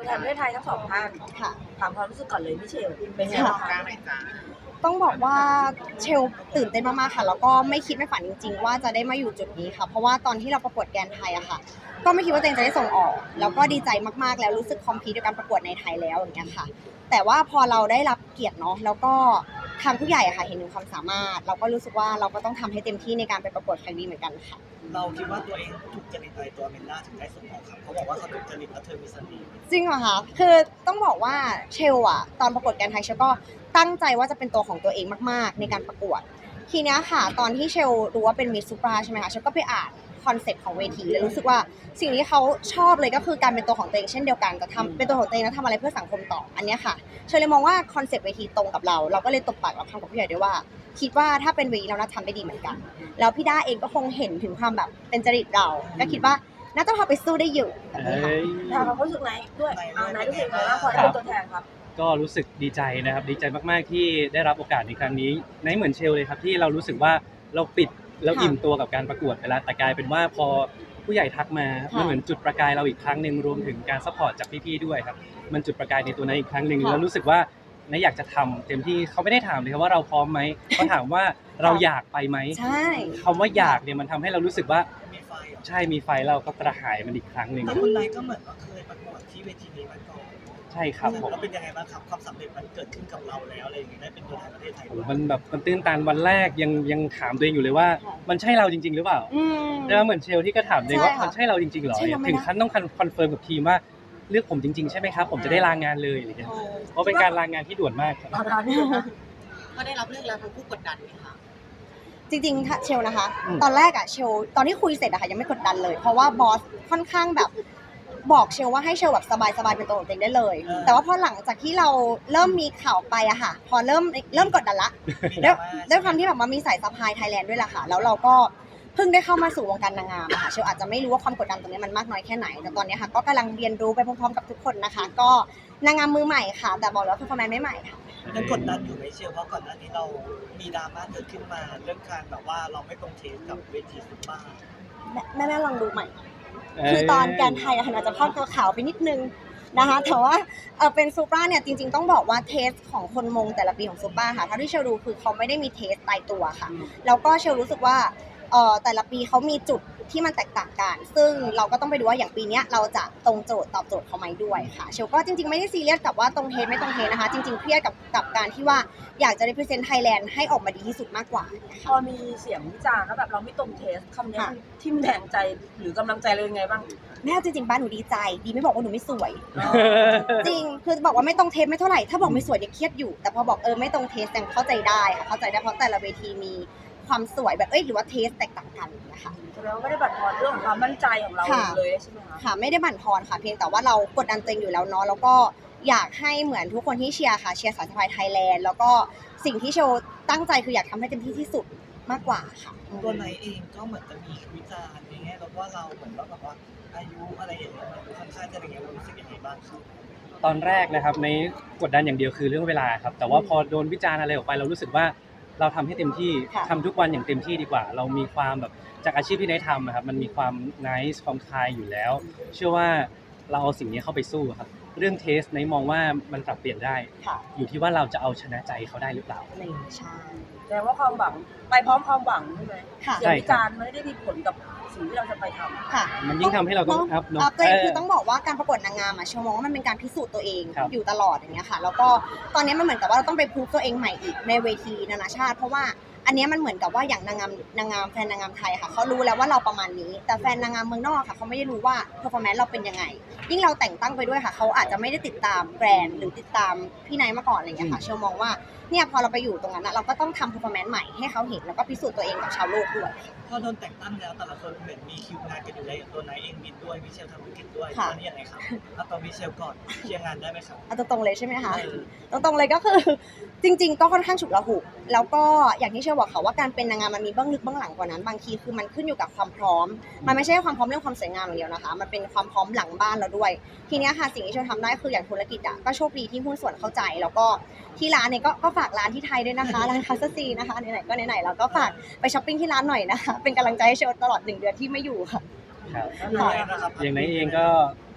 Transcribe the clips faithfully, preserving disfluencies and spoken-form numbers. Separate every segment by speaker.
Speaker 1: ตัวแทนประเทศไทยทั้งสองท่าน
Speaker 2: ค่ะ
Speaker 1: ถามความรู้สึกก่อนเลยพี่เชลเป็นไงบ้างคะ
Speaker 2: ต้องบอกว่าเชลตื่นเต้นมากๆค่ะแล้วก็ไม่คิดไม่ฝันจริงๆว่าจะได้มาอยู่จุดนี้ค่ะเพราะว่าตอนที่เราประกวดแกรนด์ไทยอะค่ะก็ไม่คิดว่าตัวเองจะได้ส่งออกแล้วก็ดีใจมากๆแล้วรู้สึกคอมพลีทกับการประกวดในไทยแล้วอย่างเงี้ยค่ะแต่ว่าพอเราได้รับเกียรติเนาะแล้วก็ทางผู้ใหญ่อะค่ะเห็นถึงความสามารถเราก็รู้สึกว่าเราก็ต้องทำให้เต็มที่ในการไปประกวดครั้งนี้เหมือนกันค่ะ
Speaker 3: เราคิดว่าตัวเองถูกจริตอะไรตัวเมลล่าถึงได้ส่งออกครับเขาบอกว่าเขาถูกจริตและเธอมีเสน่ห์
Speaker 2: จริงเหรอคะคือต้องบอกว่าเชลอะตอนประกวดแกรนด์ไทยเชลก็ตั้งใจว่าจะเป็นตัวของตัวเองมากๆในการประกวดทีเนี้ยค่ะตอนที่เชลรู้ว่าเป็นมิสซูปราใช่ไหมคะเชลก็ไปอ่านคอนเซ็ปต์ของเวทีแล้วรู้สึกว่าสิ่งที่เขาชอบเลยก็คือการเป็นตัวของตัวเองเช่นเดียวกันจะทำเป็นตัวของตัวเองแล้วทำอะไรเพื่อสังคมต่ออันเนี้ยค่ะเชลเลยมองว่าคอนเซ็ปต์เวทีตรงกับเราเราก็เลยตบปากรับคำกับผู้ใหญ่ด้วยว่าคิดว่าถ้าเป็นเวทีเราน่าทำได้ดีเหมือนกันแล้วพี่ด้าเองก็คงเห็นถึงความแบบเป็นจริตเราก็คิดว่าน่าจะพาไปสู้ได้อยู่แบบนี้ค่ะ
Speaker 1: ถามความรู้สึกไหนด้วยอ่านายรู้สึกไงบ้างพอได้เป็นตัวแทนครับ
Speaker 4: ก็รู้สึกดีใจนะครับดีใจมากๆที่ได้รับโอกาสในครั้งนี้ในเหมือนเชลเลยครับที่เรารู้สึกว่าเราปิดแล้วอิ่มตัวกับการประกวดไปแล้วแต่กลายเป็นว่าพอผู้ใหญ่ทักมามันเหมือนจุดประกายเราอีกครั้งหนึ่งรวมถึงการซัพพอร์ตจากพี่ๆด้วยครับมันจุดประกายในตัวนั้นอีกครั้งหนึ่งแล้วรู้สึกว่านายอยากจะทำเต็มที่เขาไม่ได้ถามเลยครับว่าเราพร้อมไหมเขาถามว่าเราอยากไปไหม
Speaker 2: ใช่
Speaker 4: คำว่าอยากเนี่ยมันทำให้เรารู้สึกว่า
Speaker 3: มีไฟเหรอ
Speaker 4: ใช่มีไฟเราก็กระหายมันอีกครั้งหนึ่ง
Speaker 3: แต่คุณนายก็เหมือนว่าเคยประกวดที่เวทีนี้มาก่อน
Speaker 4: ใช่ครับผม
Speaker 3: แล้วเป็นยังไงบ้างครับความสำเร็จมันเกิดขึ้นกับเราแล้วอะไรอย่างเงี้ยได้เป็นตัวแทนประเทศไทยด้วย
Speaker 4: มันแบบมันตื้นตันวันแรกยังยังถามตัวเองอยู่เลยว่ามันใช่เราจริงๆหรือเปล่า
Speaker 2: อืม
Speaker 4: แล้วเหมือนเชลที่ก็ถามตัวเองว่า
Speaker 2: ใช่ค่ะ
Speaker 4: มันใช่เราจริงๆเหรอ
Speaker 2: ใช่เราไหมนะ
Speaker 4: ถึงขั้นต้องคอนเฟิร์มกับทีมว่าเลือกผมจริงๆใช่ไหมครับผมจะได้ลางานเลยอะไรเงี้ยเพราะเป็นการลางานที่ด่วนมากครับ
Speaker 1: ตอนนี้
Speaker 5: ก็ได้รับเลือกแล้วทั้งคู่กดดันไหมคะ
Speaker 2: จริงๆถ้าเชลนะคะ
Speaker 4: อืม
Speaker 2: ตอนแรกอะเชลตอนที่คุยเสร็จอะค่ะยังไม่กดดันเลย เพราะว่าบอสค่อนข้างแบบบอกเชลว่าให้เชลแบบสบายๆเป็นตัวของตัวเองได้เลย แต่ว่าพอหลังจากที่เราเริ่มมีข่าวไปอะค่ะ พอเริ่มเริ่มกดดันละ
Speaker 3: มี
Speaker 2: ด้วย
Speaker 3: ดราม่า
Speaker 2: ด้วยความที่แบบมันมีสายซัพพลายไทยแลนด์ด้วยแหละค่ะ แล้วเราก็เพิ่งได้เข้ามาสู่วงการนางงามอะค่ะเชลอาจจะไม่รู้ว่าความกดดันตรงนี้มันมากน้อยแค่ไหน แต่ตอนนี้ค่ะก็กำลังเรียนรู้ไปพร้อมๆกับทุกคนนะคะ ก็นางงามมือใหม่ค่ะ แต่บอกเลยว่าเพอร์ฟอร์แมนซ์ไม่ใหม่ค่ะ
Speaker 3: ยังกดดันอยู่ไหมเชียวเพราะก่อนหน้านี้เรามีดราม่าเกิดขึ้นมาเรื่องการแบบว่าเราไม่ตรงเทสกับเวทีซุปเปอร์
Speaker 2: แม่แม่แม่ลองดูใหม่ คือตอนแกนไทยอะค่ะอาจจะพอกตัวขาวไปนิดนึงนะคะแต่ว่าเออเป็นซูปราเนี่ยจริงๆต้องบอกว่าเทสของคนมงแต่ละปีของซูปราค่ะเท่าที่เชลดูคือเขาไม่ได้มีเทสตายตัวค่ะแล้วก็เชลรู้สึกว่าเออแต่ละปีเขามีจุดที่มันแตกต่างกันซึ่งเราก็ต้องไปดูว่าอย่างปีนี้เราจะตรงโจทย์ตอบโจทย์เขาไหมด้วยค่ะเชลก็จริงๆไม่ได้ซีเรียสกับว่าตรงเทสไม่ตรงเทสนะคะจริงๆเครียดกับกับการที่ว่าอยากจะ represent Thailand ให้ออกมาดีที่สุดมากกว่า
Speaker 1: พอมีเสียงวิจารณ์ว่าแบบเราไม่ตรงเทสคำนี้มันทิ่มแทงใจหรือกำลังใจเลยยังไงบ้าง
Speaker 2: แม่จริงๆบ้านหนูดีใจดีไม่บอกว่าหนูไม่สวย จริงคือบอกว่าไม่ตรงเทสไม่เท่าไหร่ถ้าบอกไม่สวยเนี่ยเครียดอยู่แต่พอบอกเออไม่ตรงเทสยังเข้าใจได้ค่ะเข้าใจได้เพราะแต่ละเวทีมีความสวยแบบเอ้ยหรือว่าเทสแตกต่างกันนะคะ
Speaker 1: แสดงว่าไม่ได้บั่นทอนเรื่องของความมั่นใจของเรา
Speaker 2: ค่ะ
Speaker 1: เลยใช่ไหมคะ
Speaker 2: ค่ะไม่ได้บั่นทอนค่ะเพียงแต่ว่าเรากดดันตัวเองอยู่แล้วเนาะแล้วก็อยากให้เหมือนทุกคนที่เชียร์ค่ะเชียร์สายสะพายไทยแลนด์แล้วก็สิ่งที่โชว์ตั้งใจคืออยากทำให้เต็มที่ที่สุดมากกว่าค่ะ
Speaker 3: ตัวนายเองก็เหมือนจะมีวิจารณ์อย่างเงี้ยแล้วว่าเราเหมือนว่าแบบว่าอายุอะไรอย่างเงี้ยมันค่อนข้างจะอะไรเงี้ยเรารู้สึกยังไงบ้างครับ
Speaker 4: ตอนแรกนะครับในกดดันอย่างเดียวคือเรื่องเวลาครับแต่ว่าพอโดนวิจารณ์อะไรออกไปเรารู้สึกว่าเราทำให้เต็มที่
Speaker 2: ค่ะ
Speaker 4: ทำทุกวันอย่างเต็มที่ดีกว่า เรามีความแบบจากอาชีพที่ได้ทำอะครับมันมีความ nice ความคายอยู่แล้ว เชื่อว่าเราเอาสิ่งนี้เข้าไปสู้ครับเรื่องเทสในมองว่ามันปรับเปลี่ยนได้
Speaker 2: ค่ะ
Speaker 4: อยู่ที่ว่าเราจะเอาชนะใจเขาได้หรือเปล่า
Speaker 2: นี่ใช่
Speaker 1: แสดงว่าความหวังไปพร้อมความหวังใช่ไหม
Speaker 2: ค่ะ
Speaker 1: เสียงวิจารณ์ไม่ได้มีผลกับสิ่งที่เราจะไปทำ
Speaker 2: ค่ะ
Speaker 4: มันยิ่งทำให้เราต้องอัพเนอะ
Speaker 2: อัพตัวเอง
Speaker 4: เออ
Speaker 2: คือต้องบอกว่าการประกวดนางงามอะเชลมองว่ามันเป็นการพิสูจน์ตัวเอง
Speaker 4: ครับ
Speaker 2: อยู่ตลอดอย่างเงี้ยค่ะ แล้วก็ตอนนี้มันเหมือนกับว่าเราต้องไปพูฟตัวเองใหม่อีกในเวทีนานาชาติ เพราะว่าอันเนี้ยมันเหมือนกับว่าอย่างนางงามนางงามแฟนนางงามไทยค่ะเขารู้แล้วว่าเราประมาณนี้ แต่แฟนนางงามเมืองนอกค่ะเขาไม่ได้รู้ว่าเพอร์ฟอร์แมนซ์เราเป็นยังไง ยิ่งเราแต่งตั้งไปด้วยค่ะเขาอาจจะไม่ได้ติดตามแบรนด์หรือติดตามพี่ไนท์มาก่อนอะไรเงี้ยค่ะเชลมองว่าเนี่ยพอเราไปอยู่ตรงนั้นนะเราก็ต้องทำเพอร์ฟอร์แมนซ์ใหม่ให้เขาเห็นแล้วก็พิสูจน์ตัวเองกับชาวโลกด้วย
Speaker 3: พอโดนแต่งตั้งแล้วแต่ละคนเหมือนมีคิวงานกันอยู่แล้วอย่างตัวนายเองบินด้วยมิเชลทำธุรกิจด้วย
Speaker 2: ค่ะ
Speaker 3: ตอนนี้ยังไงครับเอาตัวมิเชลก่อนเคลียร์งานได้ไหมครับ
Speaker 2: เอาตรงๆเลยใช่ไหมคะ
Speaker 3: เออ
Speaker 2: ตรงๆเลยก็คือ จริงๆก็ค่อนข้างฉุกละหุกแล้วก็อย่างที่เชื่อบอกค่ะว่าการเป็นนางงามมันมีเบื้องลึกเบื้องหลังกว่านั้นบางทีคือมันขึ้นอยู่กับความพร้อม มันไม่ใช่ความพร้อมเรื่องความสวยงามอย่างเดียวนะคะมันเป็นความพร้อมหลังบ้านเราด้วย ทีเนี้ยค่ะสิ่งที่เชื่อทำได้คืออย่างธุรกิจอ่ะก็โชคดีที่หุ้นส่วนเข้าใจ แล้วก็ที่ร้านเนี่ยก็ก็ฝากร้านที่ไทยด้วยนะคะร้านคาสซีนะคะไหนๆก็ไหนๆเราก็ฝากไปช้อปปิ้งที่ร้านหน่อยนะคะเป็นกำลังใจให้เชลตลอดหนึ่งเดือนที่ไม่อยู่ค่ะ
Speaker 4: ครับ
Speaker 3: แล้วนายนะครับ
Speaker 4: อย่างนั้นเองก็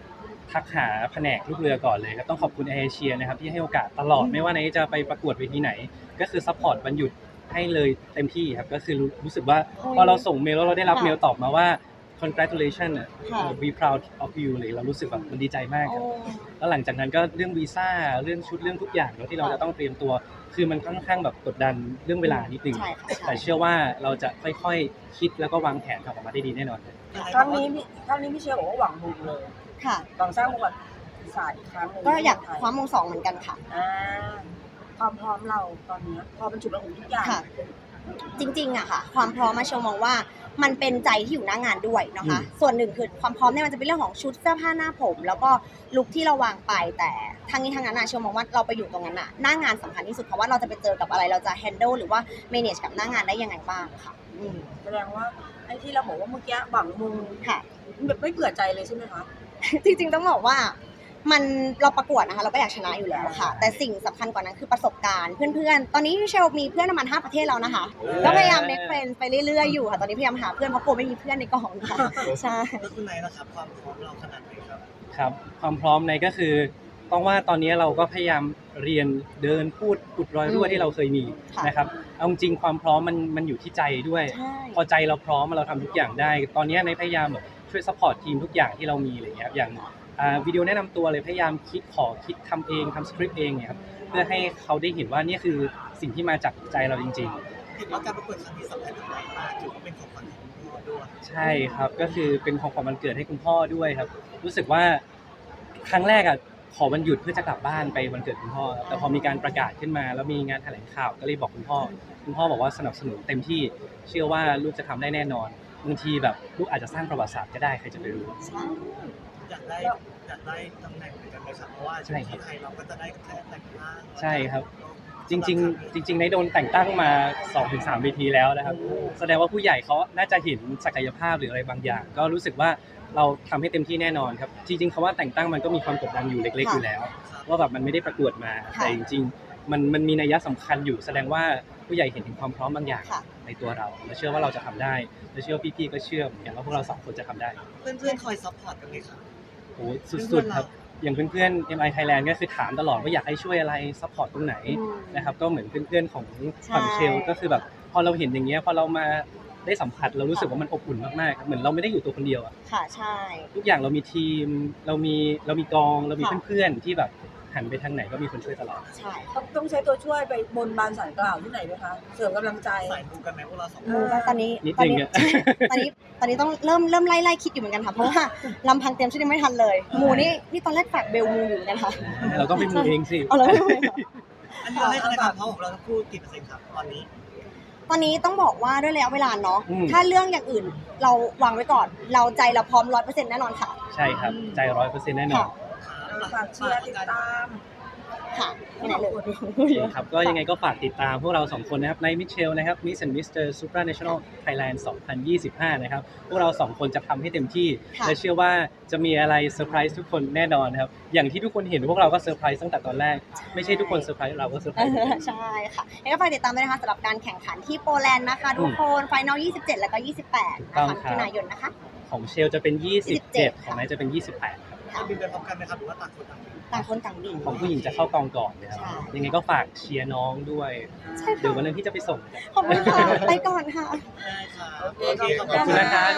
Speaker 4: ทักหาแผนกลูกเรือก่อนเลยครับต้องขอบคุณแอร์เอเชียนะครับที่ให้โอกาสตลอดไม่ว่าไหนจะไปประกวดเวทีไหน ก็คือซัพพอร์ตวันหยุดให้เลยเต็มที่ครับก็คือรู้รู้สึกว่า
Speaker 2: โอ้ย
Speaker 4: พอเราส่งเมลแล้วเราได้รับ
Speaker 2: ค่ะ
Speaker 4: เมลตอบมาว่า congratulations อ่ะ
Speaker 2: ค่ะ
Speaker 4: we proud of you เลยเรารู้สึกแบบมันดีใจมากครับ
Speaker 2: โอ้
Speaker 4: แล้วหลังจากนั้นก็เรื่องวีซ่าเรื่องชุดเรื่องทุกอย่างเนอะที่เรา
Speaker 2: ค่ะ
Speaker 4: จะต้องเตรียมตัว คือมันค่อนข้างแบบกดดันเรื่องเวลานิดนึง
Speaker 2: ใช่ค่ะใช่
Speaker 4: แต่เชื่อว่าเราจะค่อยๆคิดแล้วก็วางแผนออกมาได้ดีแน่นอนครับ
Speaker 1: ครั้งนี้พี่ครั้งนี้พี่เชลบอกว่าหวังบุญเลย
Speaker 2: ค่ะ
Speaker 1: หวังสร้างประวัติศาสตร์อีกครั้งหนึ่ง
Speaker 2: ก็อยาก
Speaker 1: ใน
Speaker 2: คว้ามงสองเหมือนกันค่ะ
Speaker 1: อ่าความพร้อมเราตอนนี้พอเป็นจุดประสงค์ทุกอย่าง
Speaker 2: ค่ะ จริงๆอะค่ะ ความพร้อมมาเชลมองว่ามันเป็นใจที่อยู่หน้างานด้วยนะคะ ส่วนหนึ่งคือความพร้อมเนี่ยมันจะเป็นเรื่องของชุดเสื้อผ้าหน้าผม แล้วก็ลุคที่เราวางไปแต่ทางนี้ทางนั้นอะเชลมองว่าเราไปอยู่ตรงนั้นอะหน้างานสำคัญที่สุดเพราะว่าเราจะไปเจอกับอะไรเราจะ handle หรือว่า manage กับหน้างานได้ยังไงบ้างค่ะ อืม
Speaker 1: แสดงว่าไอ้ที่เราบอกว่าเมื่อกี้หวังมุง
Speaker 2: ค่ะ
Speaker 1: แบบไม่เผื่อใจเลยใช่ไหมคะ
Speaker 2: จริงๆต้องบอกว่ามันเราประกวดนะคะเราก็อยากชนะอยู่แล้วค่ะ แต่สิ่งสำคัญกว่านั้นคือประสบการณ์เพื่อนๆ ตอนนี้เชลมีเพื่อนประมาณห้าประเทศแล้วนะคะก็พยายาม make friends ไปเรื่อยๆอยู่ค่ะตอนนี้พยายามหาเพื่อนเพราะกลัวไม่มีเพื่อนในกองค่ะใช่
Speaker 3: แล้วคุณนายนะครับความพร้อมเราขนาดไหนครับ
Speaker 4: ครับความพร้อมในก็คือต้องว่าตอนนี้เราก็พยายามเรียนเดินพูดอุดรอยรั่ว
Speaker 2: อืม
Speaker 4: ที่เราเคยมี
Speaker 2: ค่ะ
Speaker 4: นะครับเอาจริงๆความพร้อมมันมันอยู่ที่ใจด้วย
Speaker 2: ใช่
Speaker 4: พอใจเราพร้อมเราทำทุกอย่างได้ ตอนนี้ในพยายามแบบช่วยซัพพอร์ตทีมทุกอย่างที่เรามีอะไรเงี้ยครับอย่างอ่าวิดีโอแนะนำตัวเลยพยายามคิดขอคิดทำเองทำสคริปต์เองเนี่ยครับเพื่อให้เขาได้เห็นว่านี่คือสิ่งที่มาจากใจเราจริง ๆ
Speaker 3: เห็นว่าการประกวดครั้งนี้สำคัญกับเรามากถือว่าเป็นของขวัญของคุณพ่อด้วย
Speaker 4: ใช่ครับก็คือเป็นของขวัญวันเกิดให้คุณพ่อด้วยครับ รู้สึกว่าครั้งแรกอ่ะขอวันหยุดเพื่อจะกลับบ้านไปวันเกิดคุณพ่อครับแต่พอมีการประกาศขึ้นมา แล้วมีงานแถลงข่าวก็เลยบอกคุณพ่อ คุณพ่อบอกว่าสนับสนุนเต็มที่เชื่อว่าลูกจะทำได้แน่นอนบางทีแบบลูกอาจจะสร้างประวัติศาสตร์ก็ได้ใครจะไปรู้
Speaker 2: ใช่
Speaker 3: อยากได้อยากได้ตำแหน่งเหมือนกันเลยครับเพราะว่า
Speaker 4: ใช่ครับ
Speaker 3: ที่ไทยเราก็จะได้แค่แต่งร่าง
Speaker 4: ใช่ครับ จริงๆ จริงๆในโดนแต่งตั้งมา สองถึงสาม เวทีแล้วนะครับ แสดงว่าผู้ใหญ่เขาน่าจะเห็นศักยภาพหรืออะไรบางอย่าง ก็รู้สึกว่าเราทำให้เต็มที่แน่นอนครับ จริงๆคำว่าแต่งตั้งมันก็มีความกดดันอยู่เล็กๆอยู่แล้ว ว่าแบบมันไม่ได้ประกวดมา
Speaker 2: ค่ะ
Speaker 4: แต่จริงๆ มันมันมีนัยสำคัญอยู่ แสดงว่าผู้ใหญ่เห็นถึงความพร้อมบางอย่าง
Speaker 2: ค่ะ
Speaker 4: ในตัวเราและเชื่อว่าเราจะทำได้และเชื่อว่าพี่ๆก็เชื่อเหมือนกันว่าพวกเราสองคนจะทำได้
Speaker 3: เพื่อนๆคอยซัพพอร์ตกันไหมครับ
Speaker 4: โอ้สุดๆครับอย่างเพื่อนๆ เอ็ม ไอ Thailand ก็คือถามตลอดว่าอยากให้ช่วยอะไรซัพพอร์ตตรงไหน
Speaker 2: อืม
Speaker 4: นะครับก็เหมือนเพื่อนๆของ
Speaker 2: ใช่
Speaker 4: ฝั่งเชลก็คือแบบพอเราเห็นอย่างเงี้ยพอเรามาได้สัมผัสเรารู้สึกว่ามันอบอุ่นมากๆครับเหมือนเราไม่ได้อยู่ตัวคนเดียวอะ
Speaker 2: ค่ะใช่
Speaker 4: ทุกอย่างเรามีทีมเรามีเรามีกองเรามี
Speaker 2: ค่ะ
Speaker 4: เพื่อนๆที่แบบหันไปทางไหนก็มีคนช่วยตลอด
Speaker 2: ใช่
Speaker 1: ต้องต้องใช้ตัวช่วยไปบนบานสารกล่าวที่ไหนไหมคะ เสริมกำลังใจ
Speaker 3: สายมูกันไหมพวกเราสองค
Speaker 2: มู
Speaker 3: น
Speaker 2: ก็ตอนนี้
Speaker 4: นิด
Speaker 2: ตอน
Speaker 4: นึง
Speaker 2: นี้
Speaker 4: อะ
Speaker 2: ตอนนี้ตอนนี้ต้องเริ่มเริ่มไล่ไล่คิดอยู่เหมือนกันค่ะเพราะว่าลำพังเตรียมชุดยังไม่ทันเลยหมูนี่นี่ตอนแรกฝากเบลมูอยู่เหมือนกันค่ะ
Speaker 4: เราต้องไปมูเองสิ
Speaker 2: เอาเลยไม่เป็นไรค่ะ
Speaker 3: อันนี้เราให้คะแนนความพร้อมของเราทั้งคู่กี่เปอร์เซ็นต์ครับตอนนี้
Speaker 2: ตอนนี้ต้องบอกว่าด้วยระยะเวลาเนาะ
Speaker 4: อืม
Speaker 2: ถ้าเรื่องอย่างอื่นเราวางไว้ก่อน เราใจเราพร้อมร้อยเปอร์เซ็นต์แน่นอนค่ะ
Speaker 4: ใช่ครับใจร้อยเปอร์เซ็นต์แน่นอน
Speaker 1: ฝากเชียร์ติดตาม
Speaker 2: ค่ะไม่ไหนเลย
Speaker 4: ครับก็ยังไงก็ฝากติดตามพวกเราสองคนนะครับในมิเชลนะครับ Miss and มิสเตอร์ Supranational Thailand สองพันยี่สิบห้านะครับพวกเราสองคนจะทำให้เต็มที่
Speaker 2: ค่ะ
Speaker 4: และเชื่อว่าจะมีอะไรเซอร์ไพรส์ทุกคนแน่นอนครับอย่างที่ทุกคนเห็นพวกเราก็เซอร์ไพรส์ตั้งแต่ตอนแรกไม่ใช่ทุกคนเซอร์ไพรส์เราก็เซอร์ไพร
Speaker 2: เอ
Speaker 4: ส์
Speaker 2: อใช่ค่ะแล้วก็ฝากติดตามด้วยนะคะสำหรับการแข่งขันที่โปแลนด์นะคะทุกคนไฟนอลยี่สิบเจ็ดแล้วก็ยี่สิบแปด
Speaker 4: ถูกต้
Speaker 2: นะ
Speaker 4: อง
Speaker 2: คะ
Speaker 4: ครับ
Speaker 2: มิถุนายนนะคะ
Speaker 4: ของเชลจะเป็น ยี่สิบเจ็ด
Speaker 2: ยี่สิบเจ็ด
Speaker 4: ของนายจะเป็น ยี่สิบแปดครับ
Speaker 3: จะบินไปพร้อมกันไหมครับหรือว่าต่างคนต่างบิน
Speaker 2: ต่างคนต่างบิน
Speaker 4: ของผู้หญิงจะเข้ากองก่อนนะครับ
Speaker 2: ใช่
Speaker 4: ยังไงก็ฝากเชียร์น้องด้วย
Speaker 2: ใช่
Speaker 4: เดี๋ยว
Speaker 2: ค่ะ
Speaker 4: วันนึงพี่จะไปส่ง
Speaker 2: ขอบคุณค่ะไปก่อนค่ะ
Speaker 3: ได้ครับ
Speaker 1: โอเค
Speaker 3: โอเค
Speaker 1: ขอบ
Speaker 4: ขอบคุณนะครับ